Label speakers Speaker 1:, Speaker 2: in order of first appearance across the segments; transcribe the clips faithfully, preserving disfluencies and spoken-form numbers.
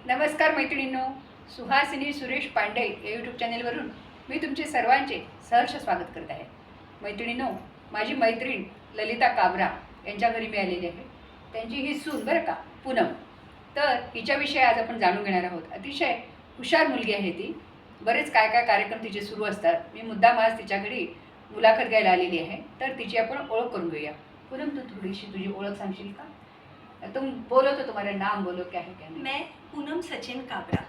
Speaker 1: नमस्कार मैत्रिणींनो, सुहासिनी सुरेश पांडे या यूट्यूब चॅनेलवरून मी तुमचे सर्वांचे सहर्ष स्वागत करत आहे. मैत्रिणींनो, माझी मैत्रीण ललिता काबरा यांच्या घरी मी आलेली आहे. त्यांची ही सून बरं का, पूनम. तर हिच्याविषयी आज आपण जाणून घेणार आहोत. अतिशय हुशार मुलगी आहे ती. बरेच काय काय कार्यक्रम तिचे सुरू असतात. मी मुद्दाम आज तिच्या घरी मुलाखत घ्यायला आलेली आहे. तर तिची आपण ओळख करून घेऊया. पूनम, तू थोडीशी तुझी ओळख सांगशील का? तुम बोलो तो तुम्हारा नाम बोलो, क्या है क्या नहीं.
Speaker 2: मैं पूनम सचिन काबरा,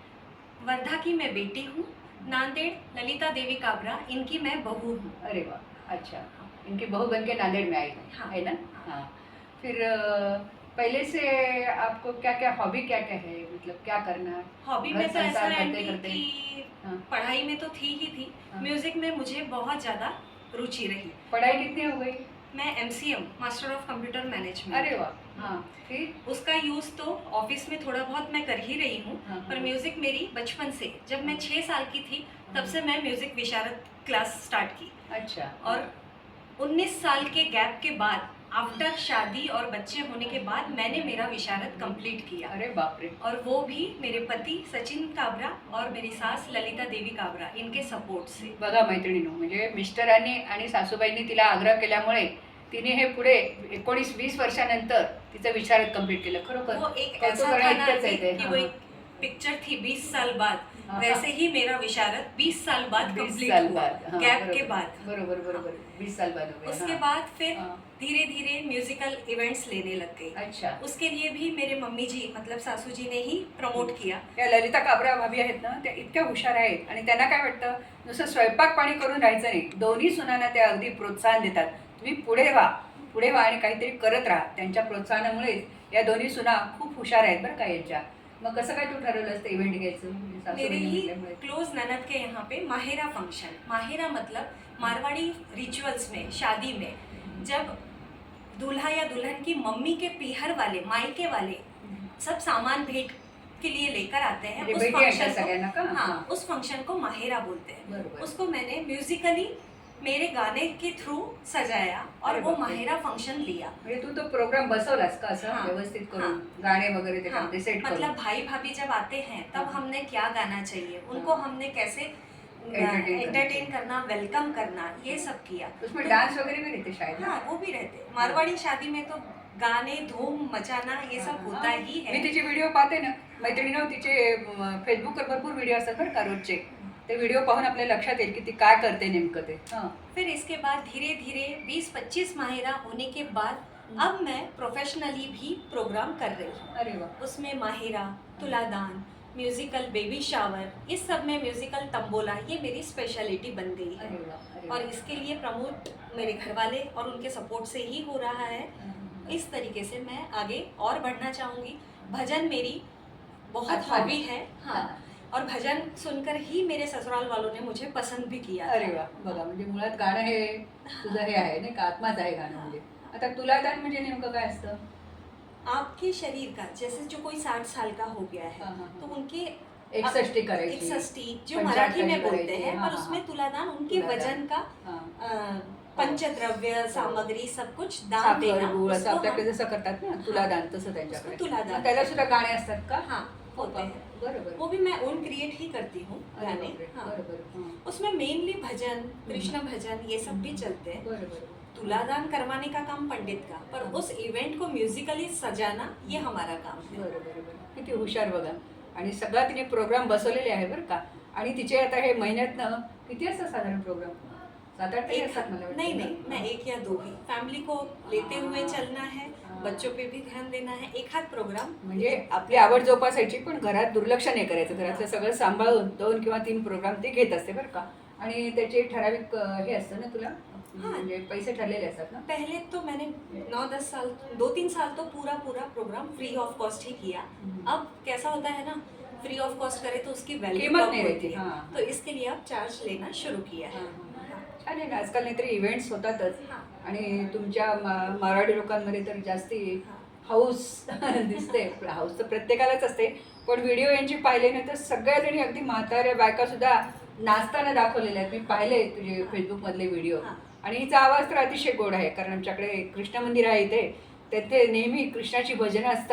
Speaker 2: वर्धा की मैं बेटी हूँ. नांदेड़ ललिता देवी काबरा, इनकी मैं बहू हूँ.
Speaker 1: अरे वाह, अच्छा. इनकी बहू बन के नांदेड़ में आई है.
Speaker 2: हाँ.
Speaker 1: है ना. हाँ. फिर अ, पहले से आपको क्या क्या हॉबी क्या क्या है, मतलब क्या करना
Speaker 2: हॉबी
Speaker 1: घर
Speaker 2: में तो ऐसा
Speaker 1: संसार
Speaker 2: है
Speaker 1: करते करते.
Speaker 2: कि
Speaker 1: हाँ.
Speaker 2: पढ़ाई में तो थी ही थी.
Speaker 1: हाँ.
Speaker 2: म्यूजिक में मुझे बहुत ज़्यादा रुचि रही.
Speaker 1: पढ़ाई कितनी हो गई?
Speaker 2: मैं M C M master of computer management.
Speaker 1: अरे वाह. हाँ. फिर
Speaker 2: उसका यूज़ तो ऑफिस में थोड़ा बहुत मैं कर ही रही हूँ.
Speaker 1: हाँ,
Speaker 2: पर
Speaker 1: हाँ.
Speaker 2: म्यूजिक मेरी बचपन से, जब मैं छः साल की थी तब से मैं म्यूजिक विशारद क्लास स्टार्ट की.
Speaker 1: अच्छा.
Speaker 2: और उन्नीस साल के गैप के बाद, आफ्टर शादी और बच्चे होने के बाद, मैंने मेरा विशारद कंप्लीट किया.
Speaker 1: अरे बाप रे.
Speaker 2: और वो भी मेरे पति सचिन काबरा और मेरी सास ललिता देवी काबरा, इनके सपोर्ट से.
Speaker 1: बघा मैत्रिणींनो, म्हणजे मिस्टरांनी आणि सासूबाईंनी तिला आग्रह केल्यामुळे तिने हे पुढे एकोणीस वीस वर्षानंतर तिचं विशारद कंप्लीट केलं. खरोखर
Speaker 2: वो एक
Speaker 1: कौतुक
Speaker 2: ऐसा था ना
Speaker 1: करण्याइतकंच आहे
Speaker 2: कि,
Speaker 1: ते.
Speaker 2: कि
Speaker 1: हाँ,
Speaker 2: वो
Speaker 1: हाँ.
Speaker 2: एक पिक्चर थी बीस साल बाद,
Speaker 1: हाँ,
Speaker 2: वैसे
Speaker 1: हाँ.
Speaker 2: ही मेरा विशारद बीस साल बाद
Speaker 1: बीस
Speaker 2: कंप्लीट
Speaker 1: साल
Speaker 2: हुआ,
Speaker 1: बाद. हाँ,
Speaker 2: गैप
Speaker 1: बरोबर.
Speaker 2: के बाद.
Speaker 1: बरोबर बरोबर. बीस साल बाद हो गए.
Speaker 2: उसके
Speaker 1: हाँ.
Speaker 2: बाद फिर
Speaker 1: हाँ.
Speaker 2: धीरे धीरे म्यूजिकल इवेंट्स लेने लग गई.
Speaker 1: अच्छा.
Speaker 2: उसके लिए भी मेरे मम्मी जी, मतलब सासू जी ने ही प्रमोट किया.
Speaker 1: या ललिता काबरा भाभी आहेत ना, त्या इतक्या हुशार आहेत आणि त्यांना काय वाटतं, नुसतं स्वयंपाक पाणी करून राहायचं नाही. दोन्ही सुनांना त्या अगदी प्रोत्साहन देतात. तुम्ही पुढे व्हा, पुढे व्हा आणि काहीतरी करत राहा. त्यांच्या प्रोत्साहनामुळेच या दोन्ही सुना खूप हुशार आहेत बरं का यांच्या. मग कसं काय तू ठरवलं असतं इव्हेंट घ्यायचं? म्हणजे
Speaker 2: मेरे
Speaker 1: सासूबाईंनी
Speaker 2: ही
Speaker 1: म्हटल्यामुळे.
Speaker 2: क्लोज ननद के यहाँ पे माहिरा फंक्शन. माहिरा मतलब मारवाड़ी रिचुअल्स में, शादी में, जब दूल्हा या दुल्हन की मम्मी के पीहर वाले, मायके वाले सब सामान भेंट के लिए लेकर आते हैं,
Speaker 1: म्हणजे
Speaker 2: उस
Speaker 1: भेटी आणतात
Speaker 2: फंक्शन
Speaker 1: सगळ्यांना का?
Speaker 2: को, हाँ, उस फंक्शन को माहिरा बोलते हैं.
Speaker 1: बरोबर.
Speaker 2: उसको मैंने म्यूजिकली मेरे गाने के थ्रू सजाया और
Speaker 1: अरे
Speaker 2: वो
Speaker 1: बापरे.
Speaker 2: माहिरा फंक्शन लिया.
Speaker 1: म्हणजे तू तो प्रोग्राम बसवलास का असं
Speaker 2: हाँ.
Speaker 1: व्यवस्थित करून
Speaker 2: हाँ.
Speaker 1: गाणे वगैरे
Speaker 2: हाँ,
Speaker 1: त्याच्यामध्ये सेट
Speaker 2: मतलब
Speaker 1: करून?
Speaker 2: भाई भाभी जब आते हैं तब
Speaker 1: हाँ.
Speaker 2: हमने क्या गाना चाहिए, उनको
Speaker 1: हाँ.
Speaker 2: हमने कैसे
Speaker 1: Entertain
Speaker 2: एंटरटेन करना, वेलकम करना, ये सब किया.
Speaker 1: उसमें
Speaker 2: तो-
Speaker 1: डान्स वगैरे भी रहते शायद ना?
Speaker 2: हाँ, वो भी रहते. मारवाड़ी शादी में तो गाने, धूम मचाना, ये सब होता
Speaker 1: हाँ.
Speaker 2: ही
Speaker 1: मी
Speaker 2: है.
Speaker 1: तिचे व्हिडिओ पाहते ना मैत्रिणीनं, तिचे फेसबुकवर भरपूर व्हिडिओ असतात बरं का रोजचे. ते व्हिडिओ पाहून आपल्या लक्षात येईल की ती काय करते नेमकं ते. हां.
Speaker 2: फिर इसके बाद धीरे धीरे बीस पच्चीस माहिरा होने के बाद अब मैं प्रोफेशनली भी प्रोग्राम कर रही हूँ.
Speaker 1: अरे वा.
Speaker 2: उसमें माहिरा, तुलादान, म्यूजिकल बेबी शावर, इस सब में म्यूजिकल तंबोला, ये मेरी स्पेशलिटी बन गई है.
Speaker 1: अरे वा. अरे
Speaker 2: और
Speaker 1: वा.
Speaker 2: इसके लिए प्रमोट मेरे घर वाले और उनके सपोर्ट से ही हो रहा है.
Speaker 1: हम्म.
Speaker 2: इस तरीके से मैं आगे और बढ़ना चाहूँगी. भजन मेरी बहुत
Speaker 1: अच्छा.
Speaker 2: हॉबी है. हाँ, और भजन सुनकर ही मेरे ससुराल वालों ने मुझे पसंद भी किया था.
Speaker 1: अरे वा. बघा, म्हणजे मुळात गाणं हे तुझं हे आहे नाही का, आत्माच आहे गाणं. म्हणजे आता तुलादान म्हणजे नेमकं काय असतं?
Speaker 2: आपके शरीर का, जैसे जो कोई साठ साल का हो गया है,
Speaker 1: हाँ, हाँ, हाँ.
Speaker 2: तो उनके
Speaker 1: एकसष्टी करायची.
Speaker 2: एकसष्टी जो
Speaker 1: पंचाहत्तर
Speaker 2: मराठी में बोलते
Speaker 1: करायची.
Speaker 2: हैं,
Speaker 1: हाँ,
Speaker 2: पर
Speaker 1: हाँ,
Speaker 2: उसमें
Speaker 1: हाँ.
Speaker 2: तुलादान उनके
Speaker 1: तुलादान.
Speaker 2: वजन का
Speaker 1: हां.
Speaker 2: अ, पंचद्रव्य सामग्री सब कुछ दान
Speaker 1: साखर
Speaker 2: देना,
Speaker 1: गुळ असं
Speaker 2: उसको
Speaker 1: आपल्याकडे
Speaker 2: हम-
Speaker 1: जसं करतात ना तुलादान, तसं त्यांच्याकडे.
Speaker 2: उसको तुलादान.
Speaker 1: मग त्याला सुद्धा गाणे असतात का?
Speaker 2: हाँ, होते हैं.
Speaker 1: बरोबर.
Speaker 2: वो भी मैं ओन क्रिएट ही करती हूँ
Speaker 1: अरे
Speaker 2: गाने.
Speaker 1: बापरे.
Speaker 2: हाँ.
Speaker 1: बरोबर. हां.
Speaker 2: उसमें मेनली भजन, कृष्ण भजन, ये सब भी चलते हैं.
Speaker 1: बरोबर.
Speaker 2: तुलादान करवाने का काम पंडित का, पर उस इवेंट को म्यूजिकली सजाना ये हमारा काम है.
Speaker 1: बरोबर बरोबर. किती हुशार बघा. आणि सगळा तिने प्रोग्राम बसवलेले आहे बरं का. आणि तिचे आता हे महिन्यातनं किती असतात साधारण प्रोग्राम? सात आठ तरी
Speaker 2: एक,
Speaker 1: असतात मला वाटतं.
Speaker 2: नहीं नहीं, मैं एक या दो ही. फैमिली को लेते हुए चलना है,
Speaker 1: हाँ.
Speaker 2: बच्चों पे भी ध्यान देना है. एक हाथ प्रोग्राम
Speaker 1: म्हणजे आपली आवड जोपासायची, पण घरात दुर्लक्ष नाही करायचं. घरातलं सगळं सांभाळून दोन किंवा तीन प्रोग्राम ती घेत असते बरं का. आणि त्याचे ठराविक अं, हे असतं ना तुला, म्हणजे पैसे ठरलेले असतात ना?
Speaker 2: पहले तो मैंने नौ दस साल, दो तीन साल तो पूरा पूरा प्रोग्राम फ्री ऑफ कॉस्ट ही किया.
Speaker 1: हम्म.
Speaker 2: अब कैसा होता है ना, फ्री ऑफ कॉस्ट करे तो उसकी वैल्यू
Speaker 1: कीमत
Speaker 2: कम
Speaker 1: नहीं
Speaker 2: होती
Speaker 1: रहती.
Speaker 2: है.
Speaker 1: हाँ.
Speaker 2: तो इसके लिए अब चार्ज लेना शुरू किया है.
Speaker 1: छान आहे ना. आजकाल नाहीतरी इव्हेंट्स होतातच.
Speaker 2: हाँ.
Speaker 1: आणि तुमच्या मा- मराठी लोकांमध्ये तर जास्ती
Speaker 2: हाँ.
Speaker 1: हाऊस दिसते. हाऊस तर प्रत्येकालाच असते, पण व्हिडिओ यांची पाहिले ना तर सगळ्या जणी अगदी म्हाताऱ्या बायका सुद्धा नाचताना दाखवलेल्या आहेत. मी पाहिले तुझे फेसबुकमधले व्हिडिओ.
Speaker 2: हाँ.
Speaker 1: आणि हिचा आवाज तर अतिशय गोड आहे, कारण आमच्याकडे कृष्ण मंदिर आहे इथे, तेथे नेहमी कृष्णाची भजनं असतात.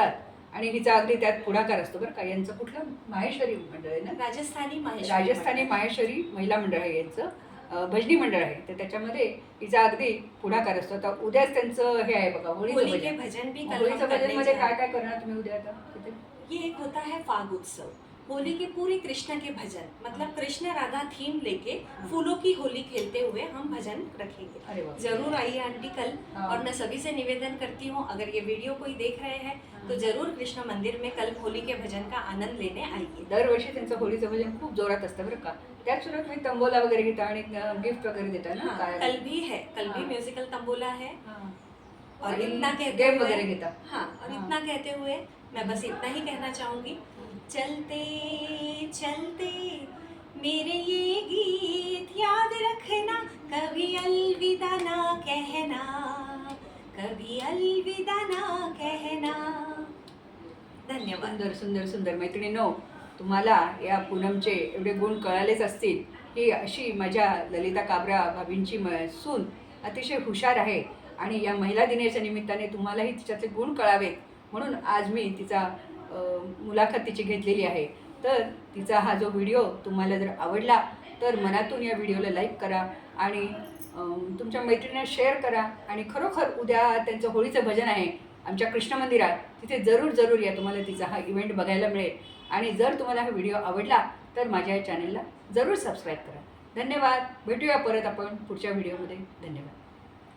Speaker 1: आणि हिचा अगदी त्यात पुढाकार असतो बरं का. यांचं कुठलं माहेश्वरी मंडळ आहे ना,
Speaker 2: राजस्थानी माहेश्वरी
Speaker 1: राजस्थानी
Speaker 2: मंडळ.
Speaker 1: माहेश्वरी महिला मंडळ आहे यांचं, अं, भजनी मंडळ आहे. तर त्याच्यामध्ये हिचा अगदी पुढाकार असतो. आता उद्याच त्यांचं हे आहे बघा, होळीचं
Speaker 2: होली के
Speaker 1: भजन.
Speaker 2: भजन भी कल हम
Speaker 1: होळीचं
Speaker 2: करने
Speaker 1: भजनमध्ये
Speaker 2: जा
Speaker 1: काय
Speaker 2: रहे
Speaker 1: काय करणार तुम्ही उद्या आता तिथे?
Speaker 2: हैं। ये एक होता है फाग उत्सव, होली के पूरे कृष्ण के भजन, मतलब कृष्ण राधा थीम लेके फूलों की होली खेलते हुए हम भजन रखेंगे।
Speaker 1: अरे वाह.
Speaker 2: जरूर आइए आंटी कल।
Speaker 1: हाँ।
Speaker 2: और मैं सभी से निवेदन करती हूँ, अगर ये वीडियो कोई देख रहे हैं तो जरूर कृष्ण मंदिर में कल होली के भजन का आनंद लेने आइए।
Speaker 1: दरवर्षी त्यांचं होळीचं भजन खूप जोरात असतं बरं का. त्यात सुद्धा तुम्ही तंबोला वगैरे घेता आणि गिफ्ट वगैरे देता ना.
Speaker 2: हाँ,
Speaker 1: काय
Speaker 2: कल भी है, कल भी
Speaker 1: हाँ।
Speaker 2: म्यूजिकल तंबोला है।
Speaker 1: हां.
Speaker 2: और
Speaker 1: आणि
Speaker 2: इतना कहते
Speaker 1: गेम
Speaker 2: हुए
Speaker 1: वगैरे घेता.
Speaker 2: हाँ, और
Speaker 1: हाँ।
Speaker 2: इतना कहते हुए मैं बस इतना ही कहना चाहूंगी, चलते चलते मेरे ये गीत याद रखना, कभी अलविदा ना कहना, कभी अलविदा ना कहना। धन्यवाद।
Speaker 1: सुंदर सुंदर सुंदर. मैत्रिणींनो, तुम्हाला या पूनमचे एवढे गुण कळालेच असतील की अशी माझ्या ललिता काबरा भाभींची म सून अतिशय हुशार आहे आणि या महिला दिनाच्या निमित्ताने तुम्हालाही तिच्यातले गुण कळावेत म्हणून आज मी तिचा अ, मुलाखत तिची घेतलेली आहे. तर तिचा हा जो व्हिडिओ तुम्हाला जर आवडला तर मनातून या व्हिडिओला लाईक करा आणि अ, तुमच्या मैत्रिणींना शेअर करा. आणि खरोखर उद्या त्यांचं होळीचं भजन आहे आमच्या कृष्ण मंदिरात, तिथे जरूर जरूर या. तुम्हाला तिचा हा इव्हेंट बघायला मिळेल. आणि जर तुम्हाला हा व्हिडिओ आवडला तर माझ्या या चॅनलला जरूर सबस्क्राईब करा. धन्यवाद. भेटूया परत आपण पुढच्या व्हिडिओमध्ये. धन्यवाद.